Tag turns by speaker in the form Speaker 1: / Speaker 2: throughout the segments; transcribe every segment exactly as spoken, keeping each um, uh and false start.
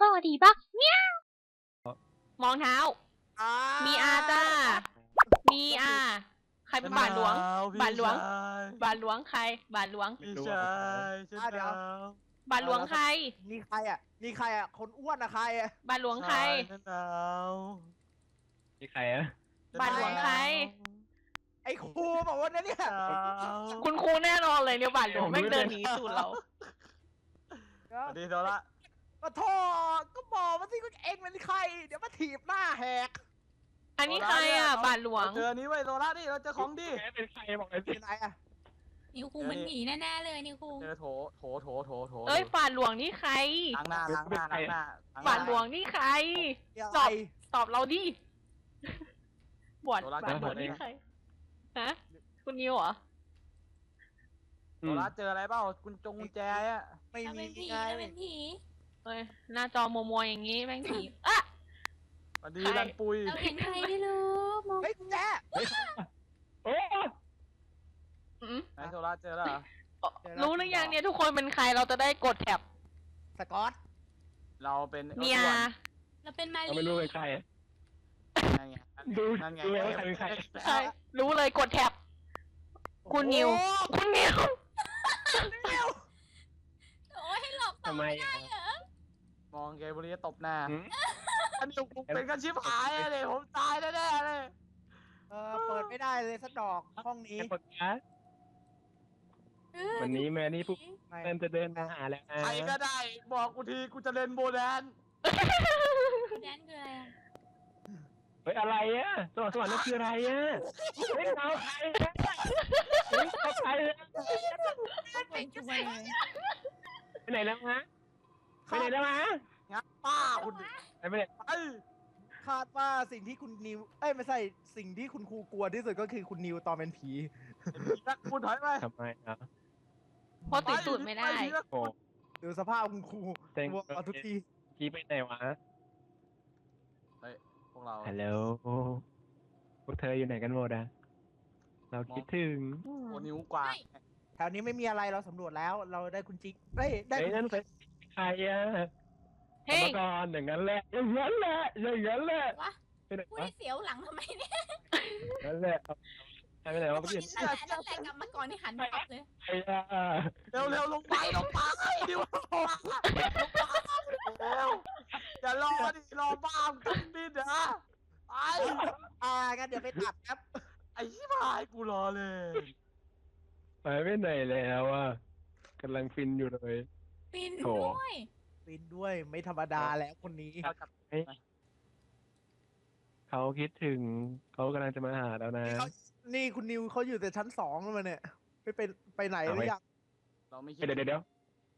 Speaker 1: สวัสดีปะเนี่ยมองเท้า มีอาจ้า มีอาใครเป็นบาทหลวง บาทหลวง บาทหลวงใคร บาทหลวง
Speaker 2: พี่ชายฉันหนาว
Speaker 1: บาทหลวงใคร
Speaker 3: นี่ใครอ่ะนี่ใครอ่ะคนอ้วนอะใครอ่ะ
Speaker 1: บาทหลวงใคร
Speaker 2: ฉันหนาว
Speaker 4: นี่ใครอะ
Speaker 1: บาทหลวงใคร
Speaker 3: ไอ้ครูบอกว่าเนี่ย
Speaker 2: หนาว
Speaker 1: คุณครูแน่นอนเลยเนี่ยบาทหลวงแม่งเดินหนีสูตรเรา
Speaker 2: สวัสดีโซละ
Speaker 3: มาโทษก็บอกมาสิว่าเองเป็นใคร เดี๋ยวมาถีบหน้าแหก
Speaker 1: อันนี้ใครอ่ะ บาทหลวง
Speaker 2: เจอนี้ไว้โซละนี่เราเจอของดี
Speaker 4: แกเป็นใครบอกเลยสิ
Speaker 3: เป็นไหนอ่ะ
Speaker 5: นิวคุงมันหนีแน่ๆเลยนิวคุง
Speaker 2: เจอโถโถโถโถโถ
Speaker 1: เอ้ยบาทหลวงนี่ใคร
Speaker 2: ล้างหน้าล้างหน้าล้างหน้า
Speaker 1: บาทหลวงนี่ใคร
Speaker 3: เดี๋ยว
Speaker 1: ต
Speaker 3: อะ
Speaker 1: อบ
Speaker 3: ไร
Speaker 1: ตอบเราดิบวชบาทหลวงนี่ใคร ฮะ คุณนิวเหรอ
Speaker 2: โซละเจออะไรเปล่ากุญจงกุญแจอ่ะ
Speaker 3: ไม่
Speaker 5: เรา
Speaker 3: มี
Speaker 5: เป็นผี
Speaker 3: ไง
Speaker 5: เราเป็นผี
Speaker 1: เอ้ย หน้าจอมัวๆอย่างงี้แม่งผีอ่ะ
Speaker 2: สวัสดี
Speaker 1: ใคร
Speaker 2: รันปุย
Speaker 5: เราเห็นใครไม่รู้มอง
Speaker 3: เฮ้ยแจ๊
Speaker 4: โอ้
Speaker 1: อืม
Speaker 2: ไหนโซละเจอแล้วเหรอ
Speaker 1: รู้หรือยังเนี่ยทุกคนเป็นใครเราจะได้กดแท็บ
Speaker 3: สกอต
Speaker 2: เราเป็น
Speaker 1: เมีย
Speaker 5: เราเป็นมา
Speaker 4: เรา
Speaker 5: รี
Speaker 4: ไม่รู้เป็นใคร
Speaker 2: นั่นไง
Speaker 4: ดู
Speaker 2: นั่นไง
Speaker 4: ดูว่าใครเป็นใคร
Speaker 1: ใช่รู้เลยกดแท็บ คุณนิว คุณนิว
Speaker 5: โอ้ยให้หลอกต่อ
Speaker 4: ทำไมอะ
Speaker 5: เหรอ
Speaker 2: มองเกบุรีตบหน้า
Speaker 4: หืม
Speaker 2: อันนี้ผมเป็นกันชิบหายเลยผมตายแน่ๆเลย
Speaker 3: เออเปิดไม่ได้เลยสักดอกห้องนี้
Speaker 4: แกปดนะวันนี้แม่นี่พวก
Speaker 3: ไม่
Speaker 4: เริ่มจะเดินมาหาแล้วนะ
Speaker 2: ใครก็ได้บอกกูทีกูจะเล่นโบแดน
Speaker 5: แดนคืออะไรอะ
Speaker 4: เฮ้ยอะไรอะสวรรค์สวรรค์นั่นคืออะไรอะเฮ้ยเราใครอะเฮ้ยเขาใครอะ
Speaker 5: เป็นจุ๊บเลย
Speaker 4: ไปไหนแล้วฮะไปไหนแล้วฮะ
Speaker 2: งับป้าคุณ
Speaker 4: ไปไหน
Speaker 2: ไอ้
Speaker 3: คาดว่าสิ่งที่คุณนิว เอ้ยไม่ใช่สิ่งที่คุณครูกลัวที่สุดก็คือคุณนิวตอนเป็นผี
Speaker 2: นักคุณถอยไป
Speaker 4: ทำไมอ่ะ
Speaker 1: เพราะติดสูตรไม่ได้
Speaker 4: โอ้
Speaker 3: ดูสภาพคุณครู
Speaker 4: เต็ง
Speaker 3: กลัวเอาทุกที
Speaker 4: กี้ไปไหนวะ
Speaker 2: พวกเรา
Speaker 4: ฮัลโหลพวกเธออยู่ไหนกันหมดอะเราคิดถึง
Speaker 2: โอ้นิ้วกว่า
Speaker 3: แถวนี้ไม่มีอะไรเราสำรวจแล้ว เราได้คุณจิ๊กเอ้ยได้
Speaker 4: เฮ้ย
Speaker 3: คุณ
Speaker 4: นั่นเป็นใครอะ
Speaker 1: เฮ้ย
Speaker 4: กรรมกรอย่างนั้นแหละอย่างนั้นแหละอย่างนั้นแหละ
Speaker 5: วะ
Speaker 4: ไปไหน
Speaker 5: พูด
Speaker 4: วะ
Speaker 5: ให้เสียวหลังทำไมเนี่ย
Speaker 4: นั่นแหละเอาไปไหนวะเมื่อกี้
Speaker 5: นั่นแหละนั่นแหละกลับมาก่อนที่หันมาตบเลย
Speaker 4: ใครอะ
Speaker 2: เร็วเร็วลงไปลงไปดิวลงมาเร็วอย่ารอดิรอบ้ามกันดินะไอ้
Speaker 3: อ่างั้นเดี๋ยวไปตัดครับ
Speaker 2: ไอ้ชิบหายกูรอเลย
Speaker 4: ไปไม่ไหนแล้วอะกำลังฟินอยู่เลย
Speaker 5: ปิน
Speaker 4: โถ
Speaker 5: ด้วย
Speaker 3: ฟินด้วยไม่ธรรมดาแล้วคนนี้
Speaker 4: เขาคิดถึงเขากำลังจะมาหาแล้วนะ
Speaker 3: นี่เขานี่คุณนิวเขาอยู่แต่ชั้นสองแล้วมันเนี่ยไม่ไปไปไหนหรือยัง
Speaker 2: เราไม่คิด
Speaker 4: เดี๋ยวเดี๋ยวเดี๋ยว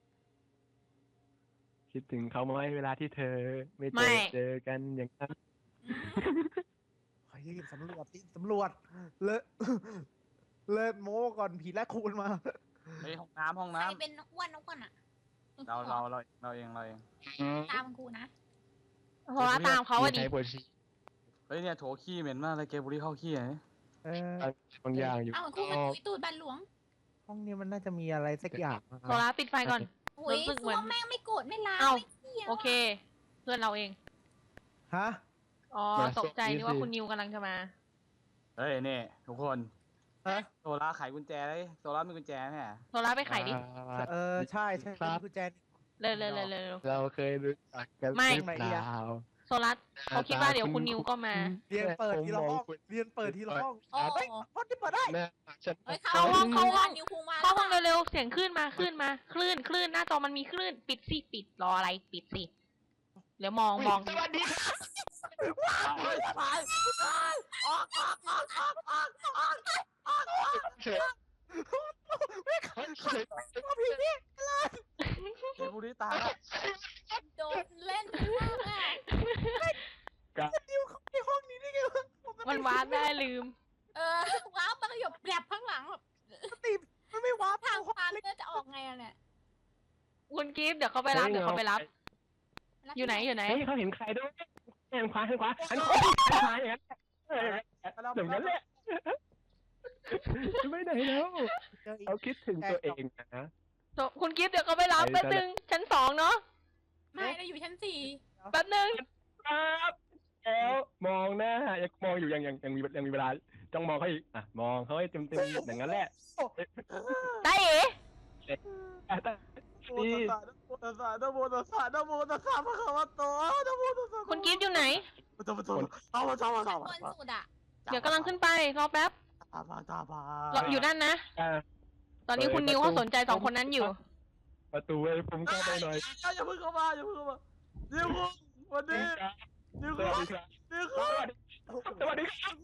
Speaker 4: คิดถึงเขาไหมเวลาที่เธอ ไม่เจ
Speaker 1: ไม่
Speaker 4: อเจอกันอย่างนั้น
Speaker 3: เฮ้ยสำรวจสิสำรวจเลอะ เลิศโม้ก่อนผีและคูณมา
Speaker 2: ไปห้องน้ำห้อง
Speaker 5: ใคร
Speaker 2: น้ำ
Speaker 5: เป็นอ้วนอ้วนอ่ะ
Speaker 2: เราเราเราเราเองเราเอง
Speaker 5: ตามกูนะ
Speaker 1: เพราะว่าตามเขาอะดิ
Speaker 4: ใช้ปวดฉี่
Speaker 2: เฮ้ยเนี่ยโถขี้เหม็นมากเลยเกบุรีเข้าขี้ไง
Speaker 3: เออบ
Speaker 4: างอย่างอยู่
Speaker 5: เอ้าครูมันตุยตูดบันหลวง
Speaker 3: ห้องนี้มันน่าจะมีอะไรสักอย่างนะค
Speaker 1: โซ
Speaker 3: รับ
Speaker 1: ล่าปิดไฟก่อน
Speaker 5: โอ้ย
Speaker 1: รู้สึกเหมื
Speaker 5: ซั
Speaker 1: อน
Speaker 5: วแม่งไม่โกรธไม่ล้าง
Speaker 1: เอ้า
Speaker 5: ไม่เที่ยว
Speaker 1: โอเค เพื่อนเราเอง
Speaker 3: ฮะ
Speaker 1: อ๋อ ตกใจนึกว่าคุณนิวกำลังจะมา
Speaker 2: เฮ้ยนี่ทุกคน
Speaker 3: ฮะ
Speaker 2: โซล่าไขกุญแจเลยโซล่ามีกุญแจไหม
Speaker 1: โซล่าไปไขดิ
Speaker 3: เออใช่ใช่
Speaker 4: ครับ
Speaker 3: คุณแจน
Speaker 1: เร็วเร็วเร็วเร็ว
Speaker 4: เราเคยรู้จักกัน
Speaker 1: ไม่
Speaker 4: หรือเปล่า
Speaker 1: โซล่าเขาคิดว่าเดี๋ยวคุณนิวก็มา
Speaker 3: เรียนเปิดทีละห้องเรียนเปิดทีละห้อง
Speaker 5: โอ้
Speaker 3: เฮ้ยห้องที่เปิดได้
Speaker 4: แม่ฉัน
Speaker 5: เฮ้ย
Speaker 1: เข้าห้องเข้าห้อง
Speaker 5: นิวคุงมา
Speaker 1: เข้าห้องเร็วๆ เสียงคลื่นมาคลื่นมา คลื่นคลื่นหน้าจอมันมีคลื่น ปิดสิ ปิด รออะไร ปิดสิ เดี๋ยวมองมอง
Speaker 4: สวัสดีครับ
Speaker 2: เฮ้ยไปออกออกออกออกออกออกออกออก
Speaker 4: เฉยเฉย
Speaker 3: พี่นี่
Speaker 2: เกบุรีตายแล้ว
Speaker 5: โดนเล่นมากอ่ะ
Speaker 3: นิวเข้าในห้องนี้ได้ไงวะปก
Speaker 1: มัน
Speaker 3: ติ
Speaker 1: วาร์ปได้ลืม
Speaker 5: เออว้าวมันก็หยบแกลบข้างหลังแบบ
Speaker 3: ปกติมันไม่ว้าร์ป
Speaker 5: ทาง
Speaker 3: เข้า
Speaker 5: ปานเลือดจะออกไงอะเนี่ย
Speaker 1: คุณกิฟต์เดี๋ยวเขาไปรับ เดี๋ยวเขาไปรับ อยู่ไหน อยู่ไหน
Speaker 4: เฮ้ยเขาเห็นใครด้วยหันขวาหันขวาหันขวาหันขวาอย่างนั้นอย่างนั้นแหละไม่ไหนแล้ว
Speaker 3: เจออีก
Speaker 4: เขาคิดถึงตัวเองนะ
Speaker 1: คุณกิฟต์เดี๋ยวเขาไปรับแป๊บนึงชั้นสองเนาะ
Speaker 5: ไม่เราอยู่ชั้นสี่
Speaker 1: แป๊บนึง
Speaker 4: ครับแล้วมองหน้ายังมองอยู่ยังยังยังมียังมีเวลาจ้องมองเขาอีกอ่ะมองเขาให้เต็มเต็มอย่างนั้นแหละ
Speaker 1: ตาเอ๋
Speaker 4: อ่ะแต่
Speaker 2: โมตัสสะนะโมตัสสะนะโมตัสสะพระคัมภโตนะโมตัสสะ
Speaker 1: คุณกิฟต์อยู่ไหน
Speaker 2: ตาตาเอามาเอามาเอา
Speaker 5: บ
Speaker 2: มาน
Speaker 5: สุดอ่ะ
Speaker 1: เดี๋ยวกำลังขึ้นไปรอแป๊บ
Speaker 2: ตาบาตาบาร
Speaker 1: ออยู่นั่นนะ
Speaker 4: อ่ะ
Speaker 1: ตอนนี้คุณนิวเขาสนใจสองคนนั้นอยู่
Speaker 4: ประตูให้ผมเข้าไปหน่อย
Speaker 2: อย่าเพิ่งเข้ามาอย่าเพิ่งเข้ามานิวคุงวันนี้นิว
Speaker 4: ส
Speaker 2: คุ
Speaker 4: วัส
Speaker 2: ง
Speaker 4: ดีครับ
Speaker 2: นิวคุง
Speaker 4: สวัสดีครับ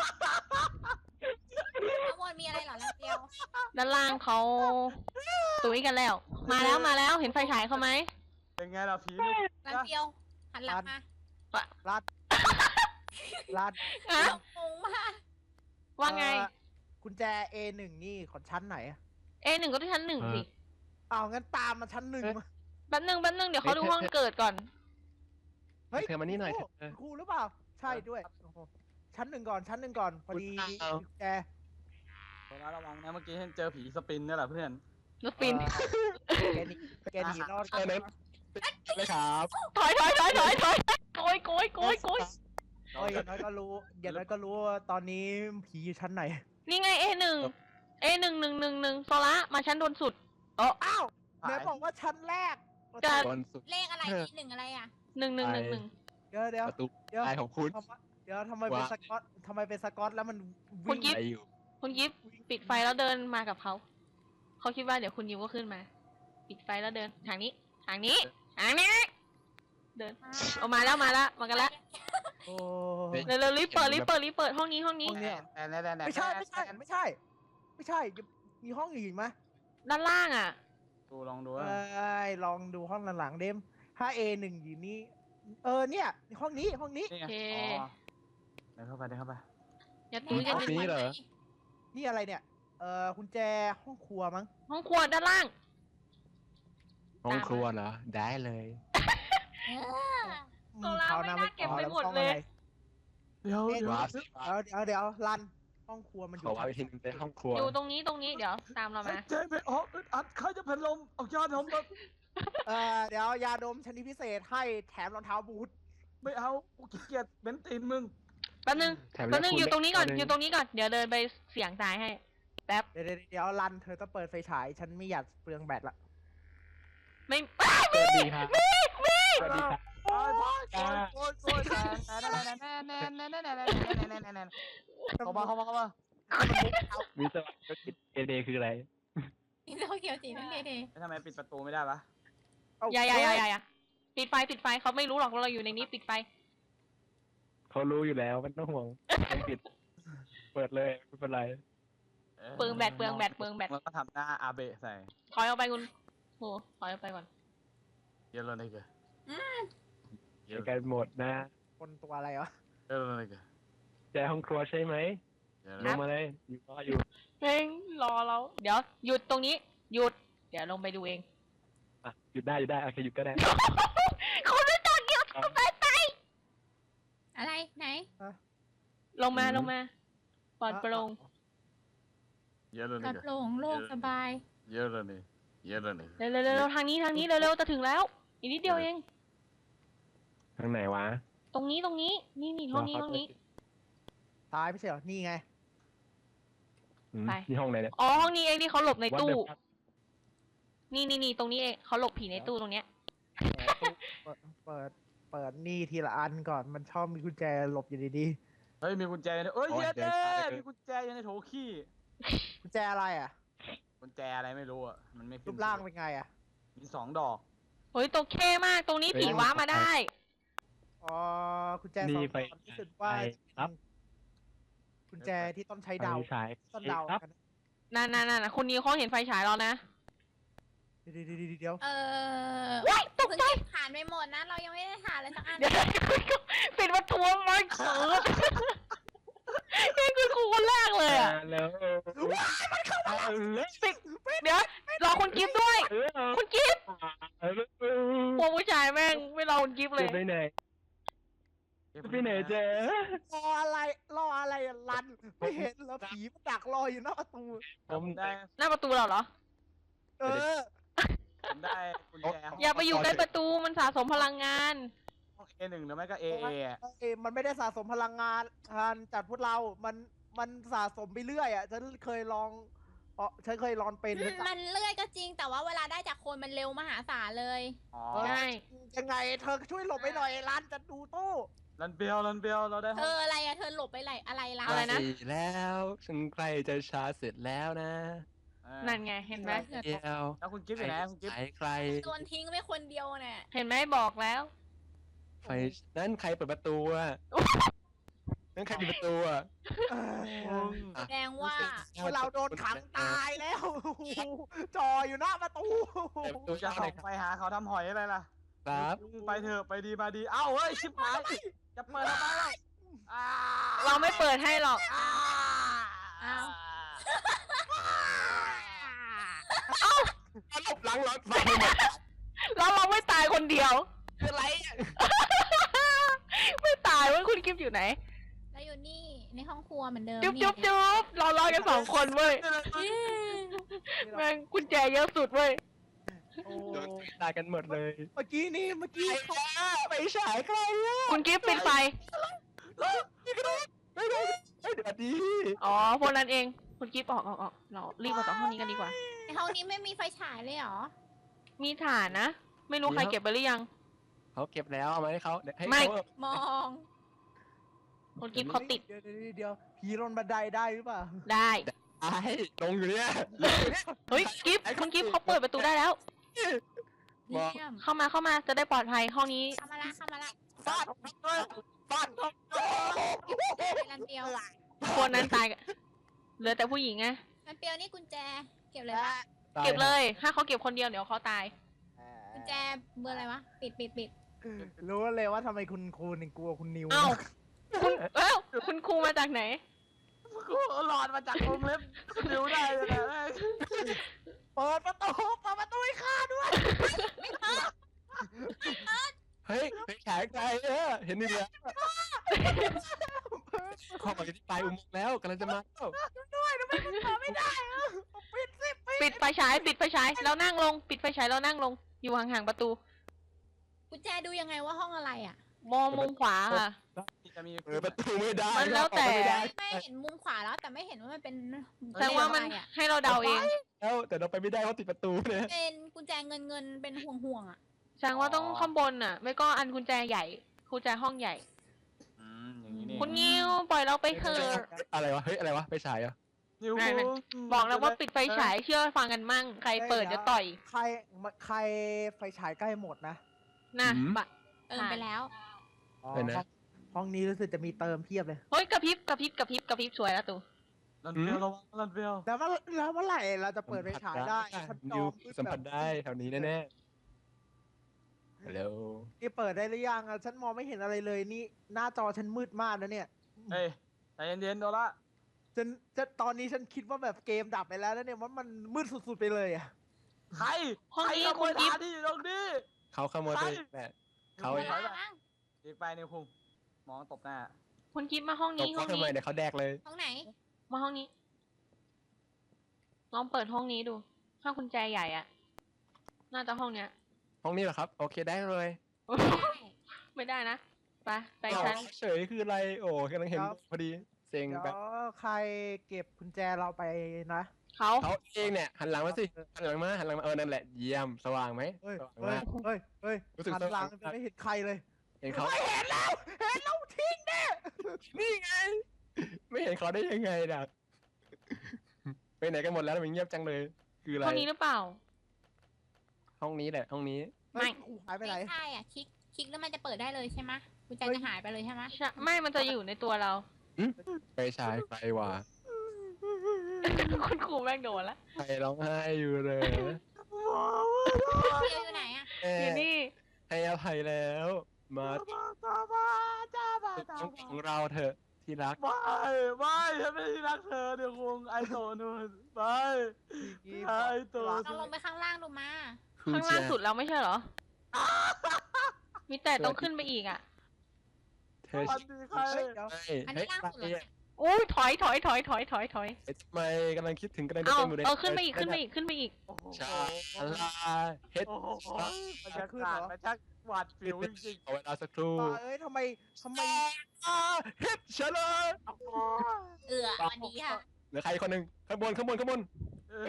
Speaker 5: ข้างบนมีอะไรเหรอแล้วเดียว
Speaker 1: ด้านล่างเขาตุ้ยกันแล้ว มาแล้วมาแล้วเห็นไฟฉายเขาไหม
Speaker 2: เป็นไงล่ะผีนี่
Speaker 5: แล้วเดียวหันหลังมา
Speaker 3: รัดรัด
Speaker 1: อะ
Speaker 5: งงมาก
Speaker 1: ว่าไง
Speaker 3: เอ่อกุญแจ เอ หนึ่ง นี่ของชั้นไหนอะ
Speaker 1: เอหนึ่งก็ที่ชั้นหนึ่งสิ
Speaker 3: อ้าวงั้นตามมาชั้นหนึ่งมา
Speaker 1: แป๊บนึงแป๊บนึงเดี๋ยวเขาดูห้องเกิดก่อน
Speaker 3: เฮ้ย
Speaker 4: เธอมานี่หน่อย
Speaker 3: ครู
Speaker 4: เธอ
Speaker 3: ครูหรือเปล่า ใช่ด้วยโอ้โหชั้นหนึ่งก่อนชั้นหนึ่งก่อนพอดี
Speaker 4: เอา
Speaker 3: กุญแจ
Speaker 2: ระวังนะเมื่อกี้เห็นเจอผีสปินนี่แหละเพื่อน
Speaker 1: รถฟิน
Speaker 3: เอ่อแกหนีแกหนีรอด
Speaker 4: เออเน้นเลยครับ
Speaker 1: ถอยถอยถอยถอยถอยโกยโกยโกยโกย
Speaker 3: โอ้ยอย่างน้อยก็รู้อย่างน้อยก็รู้ว่าตอนนี้ผีอยู่ชั้นไหน
Speaker 1: นี่ไง เอหนึ่ง เอหนึ่งหนึ่งหนึ่งหนึ่งโซล่ามาชั้นบนสุดเออ
Speaker 3: อ้าวไหนบอกว่าชั้นแรก
Speaker 1: จะ
Speaker 4: บอลสุด
Speaker 5: เลขอะไรมีหนึ่งอะไรอ่ะ
Speaker 1: หนึ่งหนึ่งหนึ่งหนึ่ง
Speaker 3: เดี๋ยวเดี๋ยว
Speaker 4: ประตู
Speaker 3: เดี๋ยว
Speaker 4: ตายของคุณ
Speaker 3: ทำไมเดี๋ยวทำไมเป็น
Speaker 4: ว่า
Speaker 3: สกอตทำไมเป็นสกอตแล้วมัน
Speaker 1: คุณ
Speaker 3: วิ่ง
Speaker 1: กิ๊ฟ
Speaker 4: ไปอยู่
Speaker 1: คุณกิฟต์ปิดไฟแล้วเดินมากับเขา เขาคิดว่าเดี๋ยวคุณยิวก็ขึ้นมา ปิดไฟแล้วเดินทางนี้ ทางนี้ ทางนี้ เดินออกมาแล้วมาแล้วมากันแล้ว
Speaker 3: โอ้
Speaker 1: เร็วเร็วรีบเปิดรีบเปิดรีบเปิดห้องนี้ห้องนี้
Speaker 2: แต่แต่แต่แต่
Speaker 3: ไม่ใช่ไม่ใช่ไม่ใช่ ไม่ใช่มีห้องอื่นไหม
Speaker 1: ด้านล่างอ่ะ
Speaker 2: ดูลองดู
Speaker 3: เอ้ยลองดูห้องหลังๆเดมถ้า เอ หนึ่งอยู่นี่เออเนี่ยห้องนี้ห้องนี้
Speaker 2: นี่ไง
Speaker 1: โอเค
Speaker 2: อ๋อเดินเข้าไปเดินเข้าไป
Speaker 1: อย่าตุ้ยอย่า
Speaker 4: ห้อง
Speaker 1: ตุ้ย
Speaker 4: นี้เหรอ
Speaker 3: นี่อะไรเนี่ย เออกุญแจห้องครัวมั้ง
Speaker 1: ห้องครัวด้านล่าง
Speaker 4: ห้องครัวเหรอได้เลย
Speaker 3: อืม
Speaker 1: โซล่า
Speaker 3: ครว
Speaker 1: ไม่
Speaker 3: น้
Speaker 1: น่าเก็บ
Speaker 3: อา
Speaker 1: ไป
Speaker 3: แล้ว
Speaker 1: หมด
Speaker 3: ห้อง
Speaker 1: เล
Speaker 3: อะ
Speaker 1: ย
Speaker 3: ไร
Speaker 2: เดี๋ยว
Speaker 3: เอ๊ะ
Speaker 2: เดี๋ยว
Speaker 4: ว้าว
Speaker 3: เดี๋ยวเดี๋ยวเดี๋ยวรันห้องครัวมันอ
Speaker 4: ขอยู่ ว่าไปทิ้งในห้องครัว
Speaker 1: อยู่ตรงนี้ตรงนี้เดี๋ยวตามเรามา
Speaker 2: เจ๊ไปออกอึดอัดใครจะเป็นลมเอายาดมแบบ
Speaker 3: เออเดี๋ยวยาดมชนิดพิเศษให้แถมรองเท้าบูท
Speaker 2: ไม่เอากูขี้เกียจเบนตีนมึง
Speaker 1: แป๊บนึง
Speaker 4: แถม
Speaker 1: แป๊บนึง
Speaker 4: คุณ
Speaker 1: อยู่ตรงนี้ก่อน
Speaker 4: ตัวห
Speaker 1: อยู่ตรงนี้ก่อน เดี๋ยวเดินไปเสียงตายให้ แป๊บ
Speaker 3: เดี๋ยวเดี๋ยวเดี๋ยวรันเธอต้องเปิดไฟฉาย ฉันไม่อยากเปลืองแบตละ
Speaker 1: ไม่อ้าว
Speaker 4: สวัสดีครับ
Speaker 1: มีมี
Speaker 4: สวัสดีครับ
Speaker 2: โอ้ยพ่อโอยโอยโอยแน่แน่แน่แน่แน่แน่แน่แน่แน่แน่แน่แน่แน่เข้ามาเข้ามาเข้ามา
Speaker 4: วิศวกรรมเอเดคืออะไร
Speaker 5: นี่เราเขียวสีนั่นเด
Speaker 2: แล้วทำไมปิดประตูไม่ได้ปะ
Speaker 3: เ
Speaker 1: อย่าอย่าอย่าอย่าอย่าปิดไฟปิดไฟเขาไม่รู้หรอกว่าเราอยู่ในนี้ปิดไฟ
Speaker 4: เขารู้อยู่แล้วไม่ต้องห่วงไม่ปิด เปิดเลยไม่เป็นไร
Speaker 1: เปลืองแบตเปลืองแบตเปลืองแบต
Speaker 2: มันก็ทำหน้าอาเบะใส่
Speaker 1: ถอยออกไปคุณโหถอยออกไปก่อน
Speaker 2: เยอะเลยนี่เกอ
Speaker 4: เดี๋ยวกันหมดนะ
Speaker 3: คนตัวอะไรวะ
Speaker 2: เยอะเลยนี่เกอ
Speaker 4: แจห้องครัวใช่ไหม
Speaker 2: เยอะ
Speaker 4: ล
Speaker 2: เลย
Speaker 4: งมาเลยอยู่รออยู่
Speaker 1: เพ่งรอเราเดี๋ยวหยุดตรงนี้หยุด เดี๋ยวลงไปดูเอง
Speaker 4: อ่ะหยุดได้หยุดได้โอเคหยุดก็ได้
Speaker 1: เขาไม่ต้องหยุดเขาไปไป
Speaker 5: อะไรไหน
Speaker 1: ลงมาลงมาปลอดโปร่ง
Speaker 2: เยอะเลย
Speaker 5: กระ
Speaker 2: นี่เก
Speaker 5: โปรงโลกสบาย
Speaker 2: เยอะเลยนี่เยอะเลยนี่
Speaker 1: เร็วเร็วเร็วทางนี้ทางนี้เร็วเร็วจะถึงแล้ว อีกนิดเดียวเอง
Speaker 4: ทางไหนวะ
Speaker 1: ตรงนี้ตรงนี้ นี่นี่ห้องนี้ห้องนี้
Speaker 3: ตายไม่ใช่เหรอ นี่ไง
Speaker 4: อืม
Speaker 1: ไป
Speaker 4: นี่ห้องไหนเนี่ย
Speaker 1: อ๋อห้องนี้เองที่เขาหลบในตู้
Speaker 4: What the fuck
Speaker 1: นี่นี่นี่ตรงนี้เองเขาหลบผีในตู้ตรงเนี้ย
Speaker 3: เปิดเปิด เปิดนี่ทีละอันก่อน มันชอบมีกุญแจหลบอยู่ดี
Speaker 2: เฮ้ยมีกุญแจเนี่ยเอ้ย
Speaker 4: โอ้ย
Speaker 2: เย็ด
Speaker 4: เดี๋ยว
Speaker 2: เด้
Speaker 4: ช้าเหลือเกิน
Speaker 2: มีกุญแจอยู่ในโถขี้
Speaker 3: ๆกุญแจอะไรอ่ะ
Speaker 2: กุญแจอะไรไม่รู้อ่ะมันไม่ขึ้
Speaker 3: รู
Speaker 2: น
Speaker 3: ปร่างเป็นไงอ่ะ
Speaker 2: มีสองดอก
Speaker 1: เฮ้ยตัวเข้มากตรงนี้ผีว้ามาได้
Speaker 3: อ๋อกุญแจ
Speaker 4: นี่
Speaker 3: สอง
Speaker 4: ไป
Speaker 3: ดอกรู้สึกว่า
Speaker 4: ไปครับ
Speaker 3: กุญแจที่ต้องใช้เดา
Speaker 4: ไฟฉาย
Speaker 3: ต้นเดา
Speaker 4: ครับ
Speaker 3: กัน
Speaker 1: นั่นนั่นนั่นคุณนิวเขาเห็นไฟฉายเรานะ
Speaker 3: เดี๋ยวเดี๋ยวเดี๋ยวเดี๋ยว
Speaker 5: เออ
Speaker 1: ว้ายตก
Speaker 5: เพิ่ง
Speaker 1: ใจ
Speaker 5: เก็บผ่านไปหมดนะ เรายังไม่ได้ผ่านเลยสักอัน
Speaker 1: เดี๋ยวปิดประตูไม่เขินนี่คือครูคนแรกเลยอ่ะ
Speaker 4: มาแล้วเอาเลย
Speaker 1: ปิดเดี๋ยวรอคุณกิฟต์ด้วย
Speaker 4: เออ
Speaker 1: คุณกิฟต์
Speaker 4: เอาเลย
Speaker 1: พวกผู้ชายแม่งไม่รอคุณกิฟต์เลย
Speaker 4: จะไปไหนจะไปไหนเจ๊
Speaker 3: รออะไร รออะไรอะรัน ไม่เห็นแล้วผีมันดักรออยู่หน้าประตู
Speaker 4: ผม
Speaker 2: ได้
Speaker 1: หน้าประตูเราเหรอ
Speaker 3: เออ
Speaker 2: ผมได้กุญแจ
Speaker 1: อย่าไปอยู่ใกล้ประตูมันสะสมพลังงาน
Speaker 2: เอหนึ่งหรือไม่ก็เอเอ
Speaker 3: เอ้ยมันไม่ได้สะสมพลังงานทานจากพวกเรา มันมันสะสมไปเรื่อยอ่ะฉันเคยลองเออฉันเคยลองเป็น
Speaker 5: มันเลื่อยก็จริง แต่ว่าเวลาได้จากคนมันเร็วมหาศาลเลย
Speaker 2: อ๋อ
Speaker 1: ใช่
Speaker 3: ยังไงเธอช่วยหลบไปหน่อยร้านจะดูตู้
Speaker 2: รันเบลรันเบลเราได้
Speaker 5: เธออะไรอะเธอหลบไปไหนอะไรล่ะ
Speaker 1: อะไรนะ
Speaker 4: แล้วฉันใกล้จะชาร์จเสร็จแล้วนะ
Speaker 1: นั่นไงเห็นไหม
Speaker 4: เดียว
Speaker 2: แล้วคุณกิฟต์อยู่ไหนคุณกิฟต์
Speaker 4: ใครใคร
Speaker 5: โดนทิ้งไปคนเดียวเนี่ย
Speaker 1: เห็นไหมบอกแล้ว
Speaker 4: ไฟนั่นใครเปิดประตูอ่ะนั่นใครปิดประตูอ่ะ
Speaker 5: แสดงว่า
Speaker 3: เราโดนขังตายแล้วจออยู่หน้าประตู
Speaker 4: เปิดประตู
Speaker 2: จะ
Speaker 4: เข้า
Speaker 2: ส่
Speaker 4: ไหน
Speaker 2: อง
Speaker 4: ครับ
Speaker 2: ไปหาเขาทำหอยอะไรล่ะ
Speaker 4: ครับ
Speaker 2: ไปเถอะไปดีมาดีเอ้าเฮ้ยชิบหายจะเปิดทำไมล่ะอ่
Speaker 1: เราไม่เปิดให้หรอก
Speaker 2: อ่า
Speaker 5: อ้าว
Speaker 4: หลบหลังรถไฟหมด
Speaker 1: แล้วเราไม่ตายคนเดียว
Speaker 4: คืออะไรอ่ะ
Speaker 1: ไม่ตายเว่าคุณกิฟต์อยู่ไหน
Speaker 5: แล้วอยู่นี่ในห้องครัวเหมือนเดิม
Speaker 1: จุ๊บ
Speaker 5: นี่
Speaker 1: จุ๊บจุ๊บเรารอกันสองคนเว้ย
Speaker 5: เอ๊ะ
Speaker 1: แม่งกุญแจเยอะสุดเว้ย
Speaker 3: โอ้
Speaker 4: โดนตายกันหมดเลย
Speaker 3: เมื่อกี้นี่เมื่อกี้
Speaker 4: ใครอ่ะไปฉายใครอ่ะ
Speaker 1: คุณกิฟต์ปิดไฟ
Speaker 4: ไม่ได้ไม่เดี๋ยวดี
Speaker 1: อ๋อพวกนั้นเอง คุณกิฟต์ออกออกออกเรารีบออกจากห้องนี้กันดีกว่า
Speaker 5: ในห้องนี้ไม่มีไฟฉายเลยเหรอ
Speaker 1: มีฐานนะ ไม่รู้ใครเก็บไปหรือยัง
Speaker 4: เขาเก็บแล้วเอามาให้เขาเดี๋ยวให้
Speaker 1: ไม่
Speaker 4: เขา
Speaker 5: มอง
Speaker 1: คุณกิฟต์เขาติด
Speaker 3: เดี๋ยวเดี๋ยวเดี๋ยวผีลงบันไดได้หรือเปล่า
Speaker 1: ได้
Speaker 4: ไอ้ลงอยู่เนี่ย
Speaker 1: เฮ้ยกิฟต์คุณกิฟต์เขาเปิดประตูได้แล้ว
Speaker 4: มอง
Speaker 5: เยี่ยม
Speaker 1: เข้ามาเข้ามาจะได้ปลอดภัยห้องนี้
Speaker 5: เข้ามาละเข้ามาละ
Speaker 2: ฟาดเลยฟาด
Speaker 5: รันเปียว
Speaker 1: คนนั้นตายกันเหลือแต่ผู้หญิงไง
Speaker 5: รันเปียวนี่กุญแจ เก็บเลยปะ
Speaker 1: เก็บเลย ถ้าเขาเก็บคนเดียวเดี๋ยวเขาตาย
Speaker 5: กุญแจเบอร์อะไรวะ ปิดปิดปิด
Speaker 3: รู้เลยว่าทำไมคุณครูถึงกลัวคุณนิว
Speaker 1: เอ้า คุณเอ้าคุณครูมาจากไหน
Speaker 2: กูหลอดมาจากวงเล็บนิ้วได้เลยนะ
Speaker 3: เปิดประตูเปิดประตูให้ข้าด้วย
Speaker 4: เฮ้ยไปฉายใครเออเห็นนี่แล้วขอมาที่ปลายอุโมงค์แล้วกำลังจะมาแล้ว
Speaker 3: ปิดสิปิด
Speaker 1: ปิดไฟฉาย ปิดไฟฉาย แล้วนั่งลง ปิดไฟฉายแล้วนั่งลง อยู่ห่างๆประตู
Speaker 5: กุญแจดูยังไงว่าห้องอะไรอ่ะ
Speaker 1: มองมุมขวาค่ะ
Speaker 2: จะมี
Speaker 4: เปิดประตูไม่ได้
Speaker 1: มันแล้วแต่
Speaker 4: ออกไม่ได้
Speaker 5: ไม่เห็นมุมขวาแล้ว แต่ไม่เห็นว่ามันเป็น
Speaker 1: แสดงว่ามัน
Speaker 5: อะไรอ่ะ
Speaker 1: ให้เราเดาเอง
Speaker 4: แล้วแต่เราไปไม่ได้เพราะติดประตูเนี่ย
Speaker 5: เป็นกุญแจเงินเงินเป็นห่วงห่วงๆอ่ะ
Speaker 1: แสดงว่าต้องข้างบนอ่ะ ไม่ก็อันกุญแจใหญ่ กุญแจห้องใหญ่
Speaker 2: อืมอย่างนี้นี่
Speaker 1: คุณงิวปล่อยเราไปเถอะ
Speaker 4: อะไรวะเฮ้ยอะไรวะไปฉายเหรอ่ะ
Speaker 2: นิ้ว
Speaker 1: นั่น บอกแล้วว่าปิดไฟฉาย เชื่อฟังกันมั่ง ใครเปิดจะต่อย
Speaker 3: ใครใครไฟฉายใกล้หมดนะ
Speaker 1: นะบะ
Speaker 5: เติมไปแล้ว
Speaker 3: อ๋อห้องห้องนี้รู้สึกจะมีเติมเพียบเลย
Speaker 1: เฮ้ยกระพริบกระพริบกระพริบกระพริบสวยแล้วตู
Speaker 2: รันเบลระวังรันเบล
Speaker 3: แล้วเมื่อแล้วเมื่อไหร่เราจะเปิดไฟฉายได้ฉันจ
Speaker 4: นิ
Speaker 3: อ
Speaker 4: ว
Speaker 3: งมืด
Speaker 4: สัมผัส
Speaker 3: แบบ
Speaker 4: ได้แถวนี้แน่ๆฮัลโหล
Speaker 3: นี่เปิดได้หรือยังอะฉันมองไม่เห็นอะไรเลยนี่หน้าจอฉันมืดมากนะเนี่ย
Speaker 2: เฮ้ยใจเย็นๆโดละ
Speaker 3: ฉันจะตอนนี้ฉันคิดว่าแบบเกมดับไปแล้วนะเนี่ยมันมันมืดสุดๆไปเลยอะ
Speaker 2: ใคร
Speaker 1: ห้องนี้
Speaker 2: ใรขโม
Speaker 1: คุณ
Speaker 2: ย
Speaker 1: กิฟ
Speaker 2: ฐานที่อยู่ตรงนี้
Speaker 4: เขาขโมยไปแหละเขา
Speaker 2: ฮ้
Speaker 5: ไป
Speaker 2: ย
Speaker 5: แล้วมั้ง
Speaker 2: อีกไปนิวคุงมองตบหน้า
Speaker 1: คุณกิฟมาห้อง
Speaker 4: ต
Speaker 1: นี้
Speaker 4: บ
Speaker 1: ห้อ
Speaker 4: เขา
Speaker 1: ง
Speaker 4: ทำไม
Speaker 1: นี้
Speaker 4: เดี๋ยวเขาแดกเลย
Speaker 5: ห้องไหน
Speaker 1: มาห้องนี้ ลองเปิดห้องนี้ดู ถ้ากุญแจใหญ่อะน่าจะห้องเนี้ย
Speaker 4: ห้องนี้เหรอครับโอเคได้เลย
Speaker 1: ไม่ได้นะ ไป ไป
Speaker 4: อ้าว
Speaker 1: ชั้น
Speaker 4: เฉยคืออะไรโอ้กำลังเห็นพอดีเซ็ง
Speaker 3: เดี๋ยว
Speaker 4: แบบ
Speaker 3: ใครเก็บกุญแจเราไปนะ
Speaker 1: เขา
Speaker 4: เขาเองเนี่ยหันหลังมาสิหันหลังมาหันหลังมาเออนั่นแหละเยี่ยมสว่างไหม
Speaker 3: เฮ้ย
Speaker 4: สว่าง
Speaker 3: เฮ้
Speaker 4: มาย ก
Speaker 3: เฮ้ยเฮ้ย
Speaker 4: รู้สึก
Speaker 3: หันหลังจะไม่เห็นใครเลย
Speaker 4: เห็นเขา
Speaker 3: ไม่เห็นแล้วเห็นแล้วทิ้งแน่
Speaker 4: นี่ไง ไม่เห็นเขาได้ยังไงน่ะไปไหนกันหมดแล้วมันเงียบจังเลย คืออะไร
Speaker 1: ห้องนี้หรือเปล่า
Speaker 4: ห้องนี้แหละห้องนี้
Speaker 1: ไม่
Speaker 3: ครูหายไปไหน
Speaker 5: ไม่ใช่อ่ะ คลิก คลิกแล้วมันจะเปิดได้เลยใช่ไหมกุญแจ
Speaker 3: เฮ้ย
Speaker 5: จะหายไปเลยใช่ไหม
Speaker 1: ใช่ไม่มันจะอยู่ในตัวเรา
Speaker 4: ไปฉายไฟว่ะ
Speaker 1: คุณครูแม่งโดนละ
Speaker 4: ใครร้องไห้อยู่เลย
Speaker 5: เปียวอยู่ไหนอ่ะ
Speaker 4: แม่
Speaker 1: อยู่นี่
Speaker 4: ให้อภัยแล้ว มา
Speaker 2: จ้าบ้าจ้าบ้าจ้า
Speaker 4: ต้อง
Speaker 2: บ้า
Speaker 4: ของเราเถอะที่รัก
Speaker 2: ไม่ไม่ฉันไม่ได้รักเธอเดี๋ยวคงไอโตนู่นไม่ไอโต
Speaker 5: ลองลงไปข้างล่างดูมา
Speaker 1: ข้างล่างสุดเราไม่ใช่เหรอ มีแต่ต้องขึ้นไปอีกอ่ะ
Speaker 4: เธอ
Speaker 2: สวัสดีใคร
Speaker 3: เฮ้ยเดี๋ยว
Speaker 4: ใช่
Speaker 5: อัน
Speaker 4: เฮ้
Speaker 5: นี้
Speaker 4: ย
Speaker 5: ล่างสุดเหรอเนี่ย
Speaker 1: อุ้ยถอยถอยถอยถอยถอยถอย
Speaker 4: เอ๊ะทำไมกำลังคิดถึงกำลังจะ
Speaker 1: เอา
Speaker 4: เป็นหมูแดง
Speaker 1: เออขึ้นไปอีกขึ้นไปอีกขึ้นไปอีก
Speaker 2: โอ้โห
Speaker 4: ชาลาเฮ็ด
Speaker 2: โอ้โหบรรยากาศมันช่างหวาดเสียวจริง
Speaker 4: เอาเวลาสักครู่
Speaker 3: ตาเอ้ยทำไมทำไม
Speaker 4: อ่าเฮ็ดชาลา
Speaker 2: ๆโอ้โห
Speaker 5: เออวันนี้ค่ะ
Speaker 4: เหลือใครคนหนึ่งข้างบนข้างบนข้างบน
Speaker 2: เออ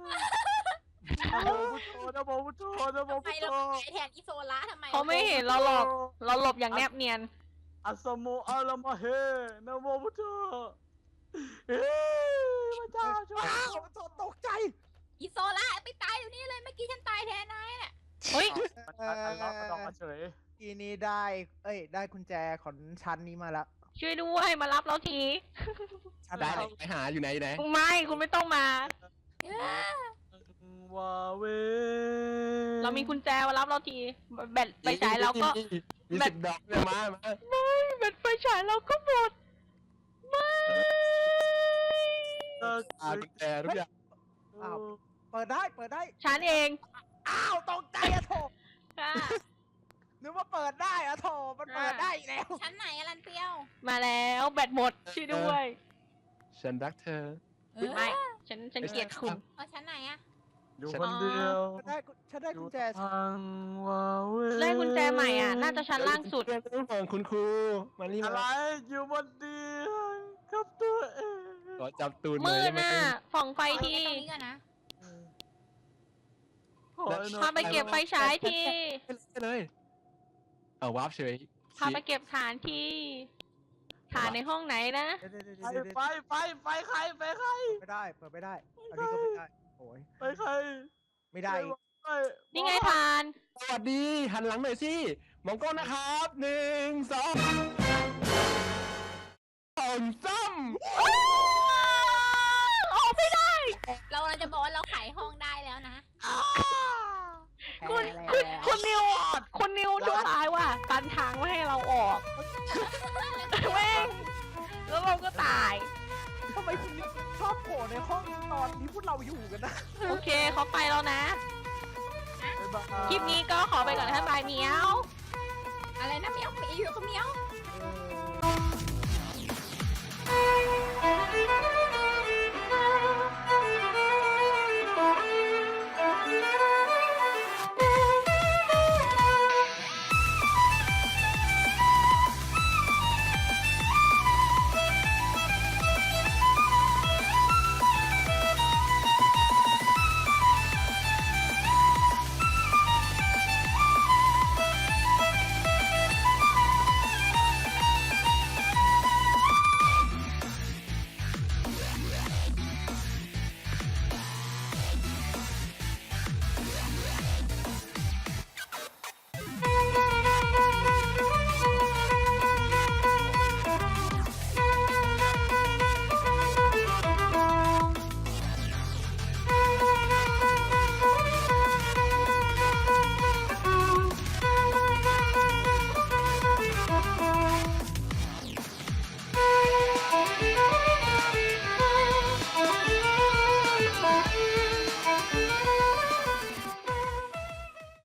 Speaker 2: นะโมพุทโธนะโม
Speaker 5: ทำไม
Speaker 2: พุทโธ
Speaker 5: เราใช้แทนอิโซละทำไม
Speaker 1: เขาไม่เห็นเราหรอก เราหลบอย่างแนบเนียน
Speaker 2: อัสสโมอัลลมะเฮนะโมพุทโธเฮ้ยพระเจ้าช่วย
Speaker 3: อ้าวตกตกใจ
Speaker 5: อิโซละไปตายอยู่นี่เลยเมื่อกี้ฉันตายแทนนายน่ะ
Speaker 1: เฮ้ย
Speaker 2: อัลลอฮ์มาดอกมาเฉย
Speaker 3: ทีนี้ได้ เอ้ย ได้กุญแจของชั้นนี้มาละ
Speaker 1: ช่วยด้วยมารับเราที
Speaker 3: ชั้น
Speaker 4: ได้
Speaker 3: ไหน
Speaker 4: ไปหาอยู่ไหนอยู่ไหน
Speaker 1: ไม่คุณไม่ต้องมา
Speaker 5: เออ
Speaker 2: วาเว
Speaker 1: เรามีกุญแจมารับเราทีแบตไฟฉายเราก็
Speaker 4: มีสิบดอกเนี่ยมามา
Speaker 1: แบตไฟฉายเราก็หมดไม่
Speaker 2: เออ
Speaker 4: อากุญแจทุกอย่าง
Speaker 3: อ้าว เปิดได้ เปิดได้
Speaker 1: ฉันเอง
Speaker 3: อ้าวตกใจอะโถ
Speaker 1: ค่ะ
Speaker 3: นึกว่าเปิดได้อะโถมันเปิดได้อีกแล้ว
Speaker 5: ชั้นไหนอะลันเปรียว
Speaker 1: มาแล้วแบตหมดช่วยด้วย
Speaker 4: ฉันรักเธอ
Speaker 5: เออ
Speaker 1: ไม่ฉันฉันเกลียดคุณ
Speaker 5: เอาชั้นไหนอะ
Speaker 2: อยู่คนเดียว
Speaker 3: ฉันได้กุฉันได้กุญแจ
Speaker 2: ทางวาเว
Speaker 1: ได้กุญแจใหม่อ่ะ น่าจะชั้นล่างสุด
Speaker 4: เรื่องของคุณครูมานี่
Speaker 2: อะไร
Speaker 4: มา
Speaker 2: อยู่บนเตียงครับตัวเอง
Speaker 4: ขอจับตูนหน่
Speaker 1: มื
Speaker 4: อย
Speaker 1: ด
Speaker 4: ได้ไหม
Speaker 1: น่ะส่องไฟ
Speaker 5: ไป
Speaker 1: ที
Speaker 5: ตรงนี้ก่อนนะ
Speaker 2: ขอให้หน่อย
Speaker 1: พาไปเก็บไฟฉายที
Speaker 4: ไปเลยเอาวาร์ปเฉย
Speaker 1: พาไปเก็บฐานทีฐานในห้องไหนนะ
Speaker 3: เดี๋ยวเดี๋ยวเดี๋ยว
Speaker 2: ไฟ
Speaker 3: เดี๋ยวเดี๋ยว
Speaker 2: ไฟไฟไฟใครไฟใคร
Speaker 3: ไม่ได้ เปิดไม่ได้ อันนี้ก็ไม่ได้ โอ้ย
Speaker 2: ไฟใคร
Speaker 3: ไม่ได้อีก
Speaker 2: ไฟ
Speaker 1: นี่ไงฐาน
Speaker 4: สวัสดีหันหลังหน่อยสิมองกล้องนะครับหนึ่งสองสองซ้
Speaker 1: ออกไม่ได้
Speaker 5: เราเราจะบอกว่าเราขายห้องได้แล้วนะ
Speaker 1: คุณ
Speaker 3: แพ้
Speaker 1: คุณ
Speaker 3: แล้ว
Speaker 1: คุณนิวคุณนิวชั่วร้ายว่ะกันทางไม่ให้เราออกแม่งแล้วเราก็ตาย
Speaker 3: ทำไมคุณชอบโผล่ในห้องตอนที่พวกเราอยู่กันนะ
Speaker 1: โอเคเขาไปแล้วนะ คลิปนี้ก็ขอไปก่อนนะบายเมียว
Speaker 5: อะไรนะเมียวมีอยู่กับเมียว